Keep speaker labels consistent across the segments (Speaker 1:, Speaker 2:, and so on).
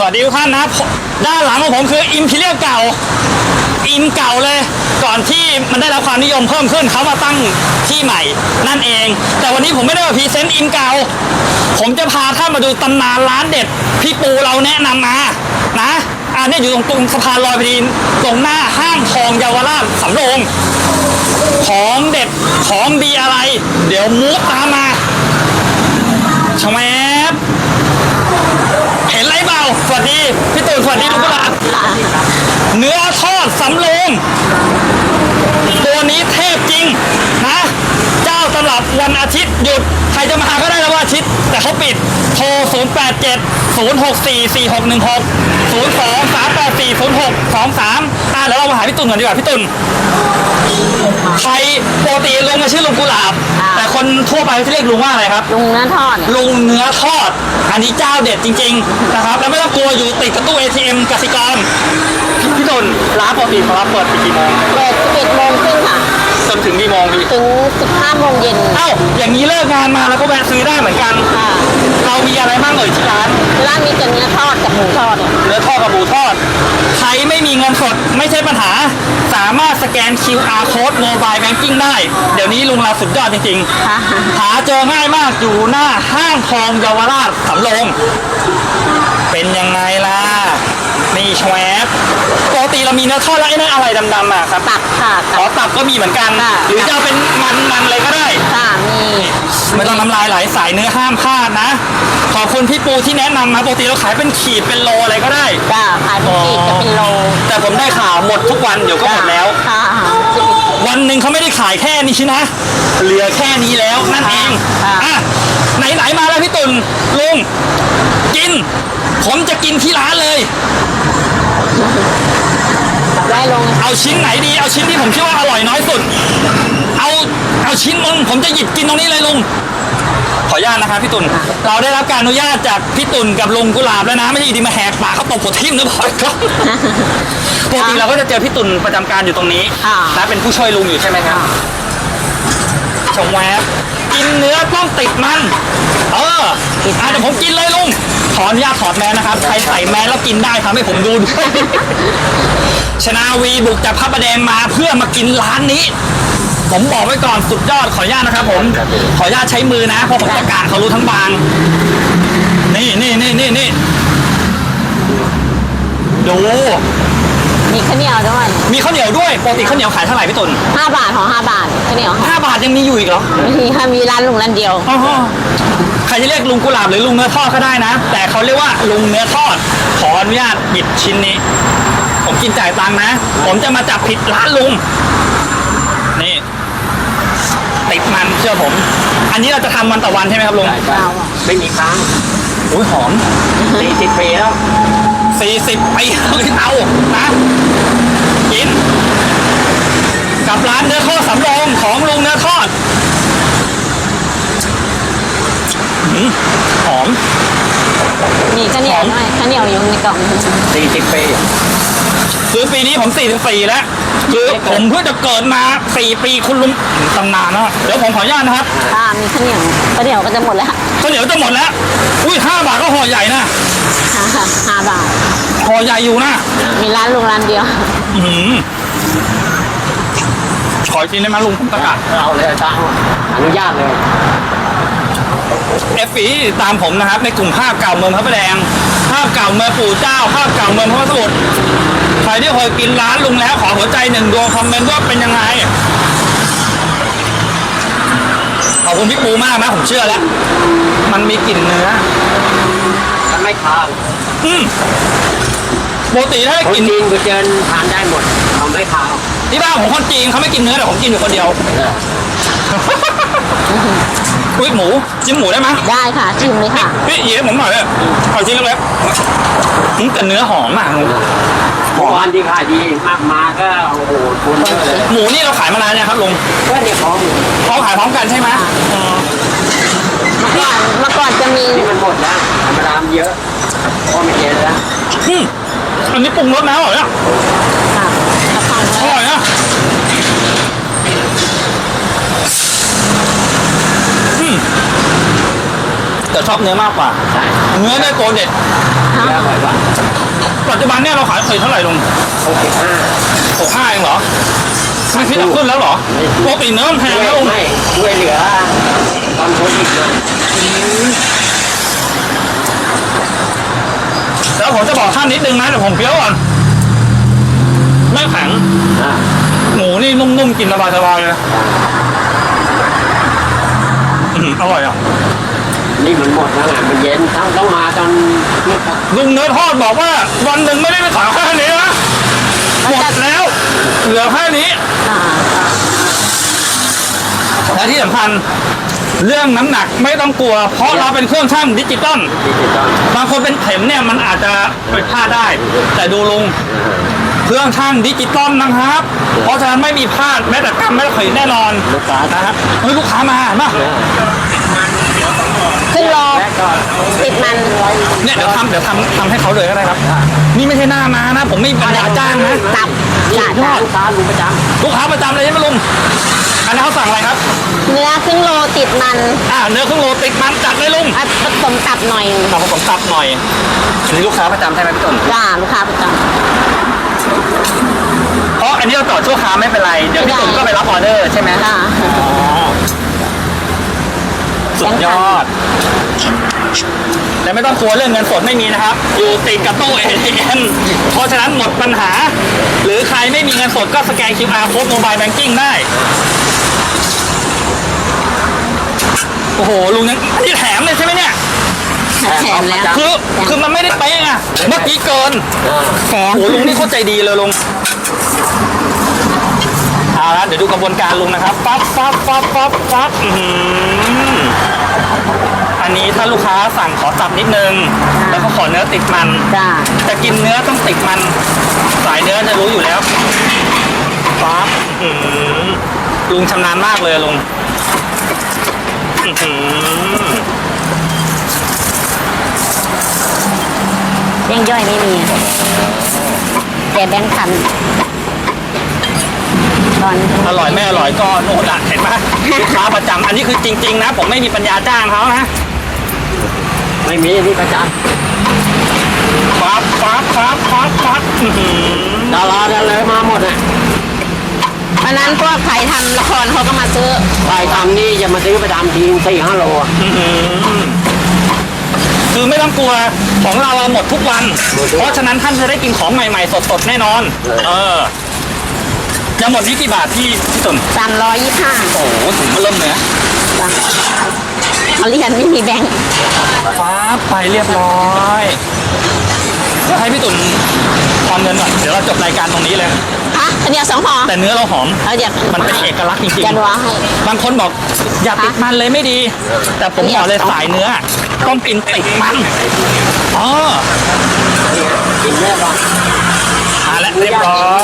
Speaker 1: วัสดีทุกท่านนะด้านหลังของผมคืออิมพีเรียลเก่าอิมเก่าเลยก่อนที่มันได้รับความนิยมเพิ่มขึ้นเขามาตั้งที่ใหม่นั่นเองแต่วันนี้ผมไม่ได้มาพรีเซนต์อิมเก่าผมจะพาท่านมาดูตำนานร้านเด็ดพี่ปูเราแนะนำมานะเนี่ยอยู่ตรงสะพานลอยพอดีตรงหน้าห้างทองเยาวราชสำโรงของเด็ดของดีอะไรเดี๋ยวมูฟตามมาชแวบเห็นไรเปล่าสวัสดีพี่ตูนสวัสดีทุกคนเนื้อทอดสำโรงตัวนี้เทพจริงนะเจ้าตลับวันอาทิตย์หยุดใครจะมาก็ได้แล้ววันอาทิตย์แต่เขาปิดโทร0870644616 02-384-0623เดี๋ยวเรามาหาพี่ตุ่นก่อนดีกว่าพี่ตุ่นใครปกติลุงชื่อลุงกุหลาบแต่คนทั่วไปเขาเรียกลุงว่าอะไรครับ
Speaker 2: ลุงเนื้อทอด
Speaker 1: ลุงเนื้อทอดอันนี้เจ้าเด็ดจริงๆนะครับแล้วไม่ต้องกลัวอยู่ติดกับตู้ ATM กสิกรพี่ตุ่นร้านปกติเขาเปิดกี่โมง
Speaker 2: เปิด11 โมงครึ่งค่ะ
Speaker 1: จนถึงกี่โมงพี่
Speaker 2: ถึง15 โมงเย็น
Speaker 1: อย่างนี้เลิกงานมาแล้วก็แวะซื้อได้เหมือนกันเรามีอะไรบ้างที่ร้าน
Speaker 2: มีแต่เนื้อทอดกับหมูทอด
Speaker 1: เนื้อทอดกับหมูทอดใครไม่มีเงินสดไม่ใช่ปัญหาสามารถสแกน QR Code Mobile Banking ได้เดี๋ยวนี้ลุงเราสุดยอดจริงๆหาเจอง่ายมากอยู่หน้าห้างทองเยาวราชสำโรงเป็นยังไงล่ะนี่แชวบปกติเรามีเนื้อทอดแล้วไอ้นั่นอะไรดำๆครับ
Speaker 2: ตับค่ะ
Speaker 1: ตับก็มีเหมือนกันหรือจะเป็นมันเลยก็ได้
Speaker 2: มี
Speaker 1: ไม่ต้องน้ำลายไหลสายเนื้อห้ามพลาดนะขอบคุณพี่ปูที่แนะนำมาปกติเราขายเป็นขีดเป็นโลอะไรก็ได้
Speaker 2: ขายเป็นขีดจะเป็นโล
Speaker 1: แต่ผมได้ข่าวหมดทุกวันเดี๋ยวก็หมดแล้ววันหนึ่งเขาไม่ได้ขายแค่นี้นะเหลือแค่นี้แล้วนั่นเองไหนมาแล้วพี่ตุ่นลุงกินผมจะกินที่ร้านเลย
Speaker 2: ได้ลง
Speaker 1: เอาชิ้นไหนดีเอาชิ้นที่ผมคิดว่าอร่อยน้อยสุดเอาชิ้นนึงผมจะหยิบกินตรงนี้เลยลุงขออนุญาตนะครับพี่ตุ่นเราได้รับการอนุญาตจากพี่ตุ่นกับลุงกุหลาบแล้วนะไม่ใช่ดีมาแหกปากเขาตบหัวทิ่มนะพ่อครับปกติเราก็จะเจอพี่ตุ่นประจำการอยู่ตรงนี้และเป็นผู้ช่วยลุงอยู่ใช่ไหมครับชมแวบกินเนื้อต้องติดมันเดี๋ยวผมกินเลยลุงขออนุญาตถอดแมสนะครับใครใส่แมสแล้วกินได้ทำให้ผมดูด้วยชนาวีบุกจากพระประแดงมาเพื่อมากินร้านนี้ผมบอกไว้ก่อนสุดยอดขออนุญาตนะครับผมขออนุญาตใช้มือนะเพราะผมประกาศเขารู้ทั้งบางนี่ดู
Speaker 2: มีข้าวเหนียวด้วย
Speaker 1: มีข้าวเหนียวด้วยปกติข้าวเหนียวขายเท่าไหร่พี่ตุ่น
Speaker 2: 5 บาทของ5 บาทข้าวเหนียว
Speaker 1: 5 บาทยังมีอยู่อีกเหรอ
Speaker 2: มีร้านลุงร้านเดียว
Speaker 1: ใครจะเรียกลุงกุหลาบหรือลุงเนื้อทอดก็ได้นะแต่เขาเรียกว่าลุงเนื้อทอดขออนุญาตหยิบชิ้นนี้ผมกินจ่ายตังค์นะผมจะมาจับผิดร้านลุงนี่ติดมันเชื่อผมอันนี้เราจะทำวันต่อวันใช่ไหมครับลุง
Speaker 3: ไม่มีค้าง
Speaker 1: อุ้ยหอม
Speaker 3: 40 ปีแล้ว
Speaker 1: 40 ปีเอานะกินกับร้านเนื้อทอดสำโรงของลุงเนื้อทอดหอม
Speaker 2: มีข้าวเหนียวด้วยข้าวเหนียวอยู่ในกล่อง
Speaker 3: 40 ปี
Speaker 1: คือปีนี้ผม44แล้วคือผมเพิ่งจะเกิดมา4 ปีคุณลุงตำนานนะเดี๋ยวผมขออนุญาตนะครับ
Speaker 2: มีข้าวเหนียวก็จะหมดแล้ว
Speaker 1: ข้าวเหนียวจะหมดแล้วอุ้ย5 บาทก็ห่อใหญ่นะ
Speaker 2: 5 บาท
Speaker 1: ห่อใหญ่อยู่นะ
Speaker 2: มีร้านลุงร้านเดียว
Speaker 1: ขอกินได้ไหมลุงผมประกาศ
Speaker 3: เอาเลยจ้าอนุญาตเลย
Speaker 1: FE ตามผมนะครับในกลุ่มภาพเก่าเมืองพระประแดงภาพเก่าเมืองปู่เจ้าภาพเก่าเมืองพระสมุทรใครที่เคยกินร้านลุงแล้วขอหัวใจ1 ดวงคอมเมนต์ว่าเป็นยังไงขอบคุณพี่ปูมากนะผมเชื่อแล้วมันมีกลิ่นเนื้อ
Speaker 3: มันไม่คาว
Speaker 1: ปกติถ้ากิน
Speaker 3: จีนกูเจอทานได้หมดเขาไม่คาว
Speaker 1: ที่บ้านผมคนจีนเขาไม่กินเนื้อแต่ผมกินอยู่คนเดียวอุ้ยหมูจิ้มหมูได้ไหม
Speaker 2: ได้ค่ะจิ้มเลยค่ะ
Speaker 1: พี่หยิบผมหน่อยเลยขอชิ้นเล็กๆแต่เนื้อหอมมาก
Speaker 3: วันที่ขายดีมากมาก็โอ้โหคุณเลย
Speaker 1: หมูนี่เราขายมานานเนี่ยครับลุง
Speaker 3: ก็เดี๋ยว
Speaker 1: พร้อมขายพร้อมกันใช่ไหม
Speaker 2: เมื่อก่อนจะมี
Speaker 3: นี่มันหมดแล้วธรรมดาเยอะพอไม่เยอะแล้ว
Speaker 1: อันนี้ปรุงรสแล้วเหรอเนี่ยอร่อยนะแต่ชอบเนื้อมากกว่า
Speaker 3: ใช่
Speaker 1: เนื้อได้ตัวเด็ด
Speaker 3: เนื้ออร่อยกว่า
Speaker 1: ปัจจุบันเนี่ยเราขายขีดเท่าไหร่ลุง
Speaker 3: 65
Speaker 1: 65เองเหรอไม่คิดจะขึ้นแล้วเหรอปกติเนื้อมันแพงนะลุง
Speaker 3: ไม่ช่วยเหลือตอนโควิดนะ
Speaker 1: แล้วผมจะบอกท่านนิดนึงนะเดี๋ยวผมเคี้ยวก่อนไม่แข็ง
Speaker 3: อ่า
Speaker 1: หมูนี่นุ่มๆกินสบายๆเลยอร่อยอ่ะ
Speaker 3: นี่มันหมดแล้วไงมันเย็นต้องมาตอนเที่ยง
Speaker 1: ลุงเนื้อทอดบอกว่าวันหนึ่งไม่ได้ไปขายแค่นี้นะหมดแล้วเหลือแค่นี้
Speaker 2: อ่า
Speaker 1: และที่สำคัญเรื่องน้ำหนักไม่ต้องกลัว เพราะเราเป็นเครื่องชั่งดิจิตอล
Speaker 3: ดิจิตอล
Speaker 1: บางคนเป็นเข็มเนี่ยมันอาจจะผิดพลาดได้ แต่ดูลุงเครื่องชั่งดิจิตอลนะครับ เพราะฉะนั้นไม่มีพลาดแม้แต่กรรมแม้แต่ขีดแน่นอน
Speaker 3: ลูกค้า
Speaker 1: นะครับเฮ้ยลูกค้ามาเห็นปะ
Speaker 2: ครึ่งโล
Speaker 3: และก็
Speaker 2: ติดมัน
Speaker 1: เนี่ยเดี๋ยวทำให้เขาเลยก็ได้ครับ นี่ไม่ใช่หน้ามานะ ผมไม่มีปัญญาจ้างนะ
Speaker 2: ตับ
Speaker 3: นี่
Speaker 2: จ้า
Speaker 3: ลูกค้าลุงประจ
Speaker 1: ลูกค้าประจำเลยใช่ไหมลุงอันนี้เขาสั่งอะไรครับ
Speaker 2: เนื้อครึ่งโลติดมัน
Speaker 1: เนื้อครึ่งโลติดมันจัดเลยลุง
Speaker 2: อ่ะผสมตับหน่อย
Speaker 1: เอาผมตับหน่อยอันนี้ลูกค้าประจำใช่ไหมพี่ต้น
Speaker 2: จ้าลูกค้าประจ
Speaker 1: เพราะอันนี้เราต่อชั่วคราวไม่เป็นไร เดี๋ยวพี่ตุ่มก็ไปรับออเดอร์ใช่ไหม
Speaker 2: ำจ้า
Speaker 1: สุดยอด แต่ไม่ต้องกลัวเรื่องเงินสดไม่มีนะครับ อยู่ติดกับตู้ ATM เพราะฉะนั้นหมดปัญหา หรือใครไม่มีเงินสดก็สแกน QR Code Mobile Banking ได้ โอ้โห ลุงยังอันนี้แถมเลยใช่ไหมเนี่ย
Speaker 2: แถมแล้ว
Speaker 1: คือมันไม่ได้เป๊ะไงเมื่อกี้เกิน
Speaker 2: แถม
Speaker 1: โอ้โหลุงนี่เข้าใจดีเลยลุงเอาละเดี๋ยวดูกระบวนการลุงนะครับปั๊บอื้อหืออันนี้ถ้าลูกค้าสั่งขอตับนิดนึง แล้วก็ขอเนื้อติดมัน
Speaker 2: จ้า
Speaker 1: แต่กินเนื้อต้องติดมัน สายเนื้อจะรู้อยู่แล้วปั๊บอื้อหือลุงชำนาญมากเลยลุงอื้อหือ
Speaker 2: แย่งย่อยไม่มีแต่แบงค์พันตอน
Speaker 1: อร่อยไม่อร่อยก็โน่นอะเห็นไหมลูกค้าประจำอันนี้คือจริงๆนะ ผมไม่มีปัญญาจ้างเขานะ
Speaker 3: ำไม่มีนี่ประจ
Speaker 1: ปั๊บอื้อหือ
Speaker 3: ำดาราได้เลยมาหมดอ่ะ
Speaker 2: วันนั้นพวกใครทำละครเขาก็มาซื้อ
Speaker 3: ใครทำนี่จะมาซื้อประจำที4-5 โลอ่ะ
Speaker 1: อื้อหือคือไม่ต้องกลัวของเราหมดทุกวัน เพราะฉะนั้นท่านจะได้กินของใหม่ๆสดๆแน่นอน จะหมดนี้กี่บาทพี่ตุ่น
Speaker 2: 325
Speaker 1: โอ้โหถุงมาเริ่มเนื้อ
Speaker 2: เอาเรียนไม่มีแบงค์
Speaker 1: ฟ้าไปเรียบร้อยเดี๋ยวให้พี่ตุ่นทอนเงินก่อนเดี๋ยวเราจบรายการตรงนี้เลย
Speaker 2: ฮะอันเดียว2ห่อ
Speaker 1: แต่เนื้อเราหอม
Speaker 2: เอาเดี๋ยว
Speaker 1: มันเป็นเอกลักษณ์จริง
Speaker 2: จะรัวให้
Speaker 1: ๆบางคนบอกอย่าติดมันเลยไม่ดี แต่ผมบอกเลยสายเนื้อต้องกินติดมันอ๋อ
Speaker 3: กินแน่นอน
Speaker 1: มาแล้วเรียบร้อย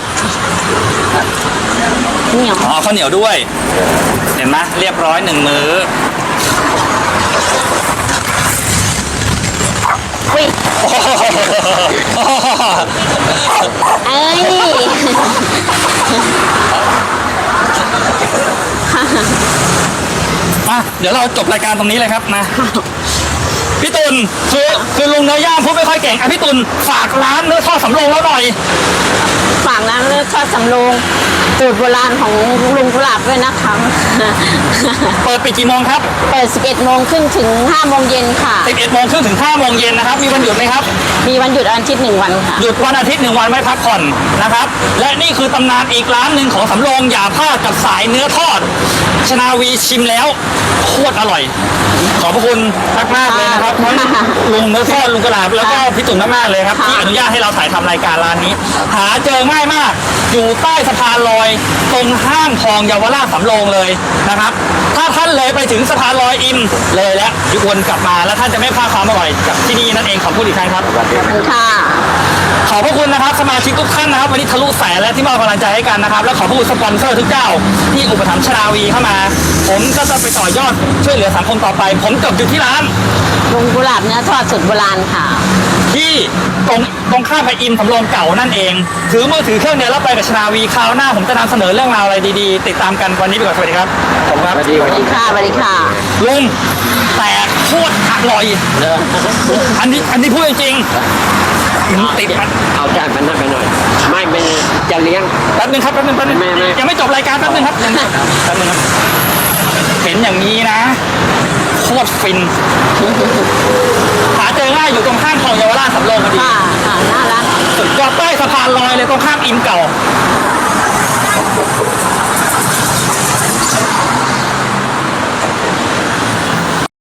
Speaker 2: เหนียว
Speaker 1: อ๋อข้าวเหนียวด้วย เห็นไหมเรียบร้อย1 มื้อ
Speaker 2: อุ้ย
Speaker 1: โอ้โห
Speaker 2: เอ้ย
Speaker 1: มาเดี๋ยวเราจบรายการตรงนี้เลยครับนะพี่ตุลคือลุงเนื้อย่างพูดไม่ค่อยเก่งอ่ะพี่ตุลฝากร้านเนื้อทอดสำโรงแล้วหน่อย
Speaker 2: ฝากร้านเลือดทอดสำโรงสูตรโบราณของลุงกุหลาบด้วยนะคะ
Speaker 1: เปิดปิดกี่โมงครับ
Speaker 2: เปิด 11 โมงครึ่งถึง 5 โมงเย็นค่ะ
Speaker 1: 11 โมงครึ่งถึง 5 โมงเย็นนะครับ มีวันหยุดไหมครับ
Speaker 2: มีวันหยุดอาทิตย์1 วันค่ะ
Speaker 1: หยุดวันอาทิตย์ 1 วันไว้พักผ่อนนะครับ และนี่คือตำนานอีกร้านหนึ่งของสำโรงอย่าพลาดกับสายเนื้อทอด ชนาวีชิมแล้วโคตรอร่อย ขอบพระคุณมากๆเลยนะครับทั้งลุงเนื้อทอดลุงกระลาบแล้วก็พี่ตุ่นมากๆเลยครับที่อนุญาตให้เราถ่ายทำรายการร้านนี้ หาเจอง่ายมาก อยู่ใต้สะพานลอยตรงห้างทองเยาวราชสำโรงเลยนะครับ ถ้าท่านเลยไปถึงสะพานลอยอิมเลยแล้ววนกลับมาแล้วท่านจะไม่พลาดความอร่อยจากที่นี่นั่นเองขอบคุณอีกครั้งครับ
Speaker 2: ขอบคุณค่ะ
Speaker 1: ขอบพระคุณนะครับสมาชิกทุกท่านนะครับวันนี้ทะลุแสนและที่มอบกำลังใจให้กันนะครับ และขอบพระคุณสปอนเซอร์ทุกเจ้าที่อุปถัมภ์ชนาวีเข้ามา ผมก็จะไปต่อยอดช่วยเหลือสังคมต่อไป ผมจบอยู่ที่ร้าน
Speaker 2: ลุงกุหลาบเนื้อทอดสูตรโบราณค่ะ
Speaker 1: ที่ตรงข้ามไปอิมสำโรงเก่านั่นเองถือมือถือเครื่องเดียวแล้วไปกับชนาวีคราวหน้าผมจะนำเสนอเรื่องราวอะไรดีๆ ติดตามกันวันนี้ไปก่อนสวัสดีครับผมครับ
Speaker 3: สวัสดี
Speaker 2: สวัสดีค่ะ สวัสดีค่ะ
Speaker 1: ลุงแตกตรอร่อย
Speaker 3: เนอะ
Speaker 1: อันนี้พูดจริงๆติดมัน
Speaker 3: เอาจานมันนั่นไปหน่อย ไม่จะเลี้ยง
Speaker 1: แป๊บนึงครับแป๊บนึง
Speaker 3: ไม่
Speaker 1: ยังไม่จบรายการแป๊บนึงครับยังไม่แป๊บนึงครับเห็นอย่างนี้นะโคตรฟินหาเจอง่ายอยู่ตรงข้ามคลองเยาวราชสำโรงพอดี
Speaker 2: ค่ะค่ะน่ารัก
Speaker 1: สุดยอดใต้สะพานลอยเลยตรงข้ามอิมเก่า